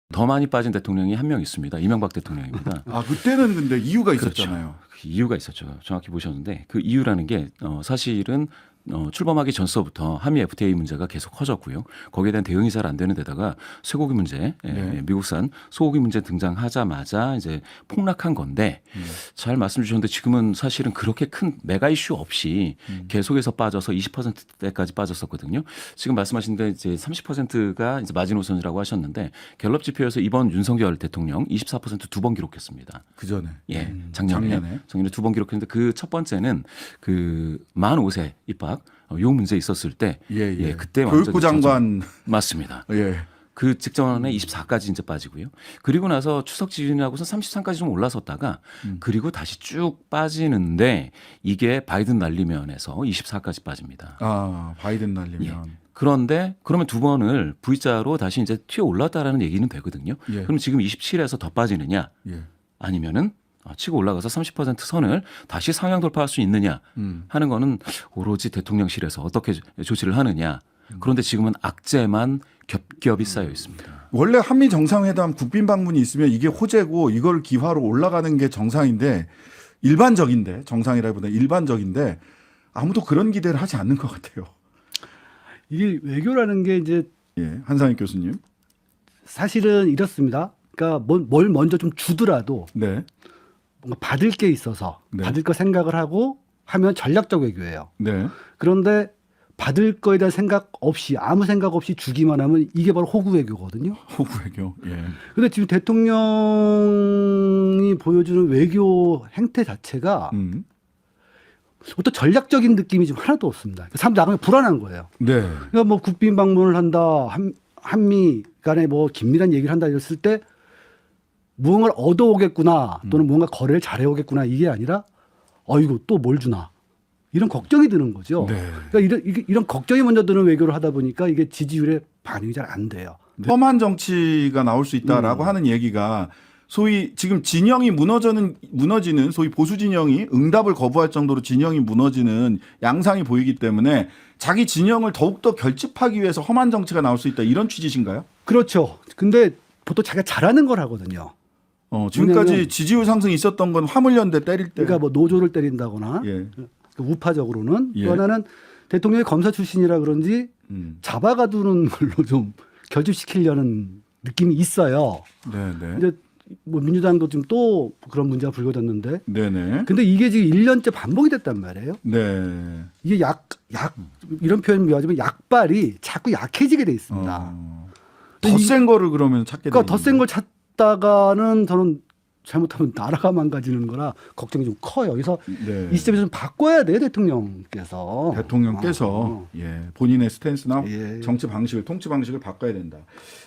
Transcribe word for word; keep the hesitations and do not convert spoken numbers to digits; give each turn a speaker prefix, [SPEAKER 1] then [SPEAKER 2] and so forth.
[SPEAKER 1] 더 많이 빠진 대통령이 한 명 있습니다. 이명박 대통령입니다.
[SPEAKER 2] 아 그때는 근데 이유가 있었잖아요.
[SPEAKER 1] 그렇죠. 그 이유가 있었죠. 정확히 보셨는데 그 이유라는 게 어, 사실은 어, 출범하기 전서부터 한미 에프티에이 문제가 계속 커졌고요. 거기에 대한 대응이 잘 안 되는 데다가 쇠고기 문제, 예,
[SPEAKER 2] 네.
[SPEAKER 1] 미국산 소고기 문제 등장하자마자 이제 폭락한 건데
[SPEAKER 2] 음.
[SPEAKER 1] 잘 말씀 주셨는데 지금은 사실은 그렇게 큰 메가 이슈 없이
[SPEAKER 2] 음.
[SPEAKER 1] 계속해서 빠져서 이십 퍼센트대까지 빠졌었거든요. 지금 말씀하신 데 이제 삼십 퍼센트가 이제 마지노선이라고 하셨는데 갤럽 지표에서 이번 윤석열 대통령 이십사 퍼센트 두 번 기록했습니다.
[SPEAKER 2] 그 전에.
[SPEAKER 1] 예,
[SPEAKER 2] 음.
[SPEAKER 1] 작년에
[SPEAKER 2] 작년에.
[SPEAKER 1] 작년에 두 번 기록했는데 그 첫 번째는 그 만 오 세 입학 어, 요 문제 있었을 때
[SPEAKER 2] 예, 예.
[SPEAKER 1] 예, 그때
[SPEAKER 2] 교육부
[SPEAKER 1] 완전히
[SPEAKER 2] 장관.
[SPEAKER 1] 맞습니다.
[SPEAKER 2] 예.
[SPEAKER 1] 그 직전에 이십사까지 이제 빠지고요. 그리고 나서 추석 지진하고서 삼십삼까지 좀 올라섰다가
[SPEAKER 2] 음.
[SPEAKER 1] 그리고 다시 쭉 빠지는데 이게 바이든 날리면에서 이십사까지 빠집니다.
[SPEAKER 2] 아 바이든 날리면.
[SPEAKER 1] 예. 그런데 그러면 두 번을 V자로 다시 이제 튀어 올랐다라는 얘기는 되거든요.
[SPEAKER 2] 예.
[SPEAKER 1] 그럼 지금 이십칠에서 더 빠지느냐
[SPEAKER 2] 예.
[SPEAKER 1] 아니면은 치고 올라가서 삼십 퍼센트 선을 다시 상향 돌파할 수 있느냐
[SPEAKER 2] 음.
[SPEAKER 1] 하는 거는 오로지 대통령실에서 어떻게 조치를 하느냐. 그런데 지금은 악재만 겹겹이 쌓여 있습니다.
[SPEAKER 2] 원래 한미 정상회담 국빈 방문이 있으면 이게 호재고 이걸 기화로 올라가는 게 정상인데 일반적인데 정상이라기보다 일반적인데 아무도 그런 기대를 하지 않는 것 같아요.
[SPEAKER 3] 이게 외교라는 게 이제
[SPEAKER 2] 예, 한상익 교수님.
[SPEAKER 3] 사실은 이렇습니다. 그러니까 뭘, 뭘 먼저 좀 주더라도
[SPEAKER 2] 네,
[SPEAKER 3] 뭔가 받을 게 있어서
[SPEAKER 2] 네.
[SPEAKER 3] 받을 거 생각을 하고 하면 전략적 외교예요.
[SPEAKER 2] 네,
[SPEAKER 3] 그런데 받을 거에 대한 생각 없이 아무 생각 없이 주기만 하면 이게 바로 호구 외교거든요.
[SPEAKER 2] 호구 외교. 예,
[SPEAKER 3] 근데 지금 대통령이 보여주는 외교 행태 자체가
[SPEAKER 2] 음,
[SPEAKER 3] 어떤 전략적인 느낌이 좀 하나도 없습니다. 사람들 나가면 불안한 거예요.
[SPEAKER 2] 네,
[SPEAKER 3] 그러니까 뭐 국빈 방문을 한다, 한, 한미 간에 뭐 긴밀한 얘기를 한다 이랬을 때 무언가를 얻어오겠구나 또는 무언가 거래를 잘해오겠구나 이게 아니라 어이구 또 뭘 주나 이런 걱정이 드는 거죠.
[SPEAKER 2] 네.
[SPEAKER 3] 그러니까 이런, 이게- 이런 걱정이 먼저 드는 외교를 하다 보니까 이게 지지율에 반응이 잘 안 돼요.
[SPEAKER 2] 험한 정치가 나올 수 있다라고
[SPEAKER 3] 음.
[SPEAKER 2] 하는 얘기가 소위 지금 진영이 무너지는 무너지는 소위 보수 진영이 응답을 거부할 정도로 진영이 무너지는 양상이 보이기 때문에 자기 진영을 더욱더 결집하기 위해서 험한 정치가 나올 수 있다 이런 취지신가요?
[SPEAKER 3] 그렇죠. 근데 보통 자기가 잘하는 걸 하거든요.
[SPEAKER 2] 어, 지금까지
[SPEAKER 3] 왜냐면-
[SPEAKER 2] 지지율 상승이 있었던 건 화물연대 때릴 때.
[SPEAKER 3] 그러니까 뭐 노조를 때린다거나
[SPEAKER 2] 예.
[SPEAKER 3] 그 우파적으로는
[SPEAKER 2] 예.
[SPEAKER 3] 또 하나는 대통령이 검사 출신이라 그런지
[SPEAKER 2] 음.
[SPEAKER 3] 잡아가두는 걸로 좀 결집시키려는 느낌이 있어요.
[SPEAKER 2] 네, 네.
[SPEAKER 3] 근데 뭐 민주당도 지금 또 그런 문제가 불거졌는데
[SPEAKER 2] 네, 네.
[SPEAKER 3] 근데 이게 지금 일 년째 반복이 됐단 말이에요.
[SPEAKER 2] 네.
[SPEAKER 3] 이게 약, 약, 이런 표현 미워하지만 약발이 자꾸 약해지게 돼 있습니다.
[SPEAKER 2] 어.
[SPEAKER 3] 근데 이-
[SPEAKER 2] 더센 거를 그러면 찾게
[SPEAKER 3] 그러니까 더 센
[SPEAKER 2] 되는
[SPEAKER 3] 걸 찾다가는 저는 잘못하면 나라가 망가지는 거라 걱정이 좀 커요. 그래서
[SPEAKER 2] 네.
[SPEAKER 3] 이 시점에서 좀 바꿔야 돼요, 대통령께서.
[SPEAKER 2] 대통령께서
[SPEAKER 3] 어.
[SPEAKER 2] 예, 본인의 스탠스나
[SPEAKER 3] 예.
[SPEAKER 2] 정치 방식을 통치 방식을 바꿔야 된다.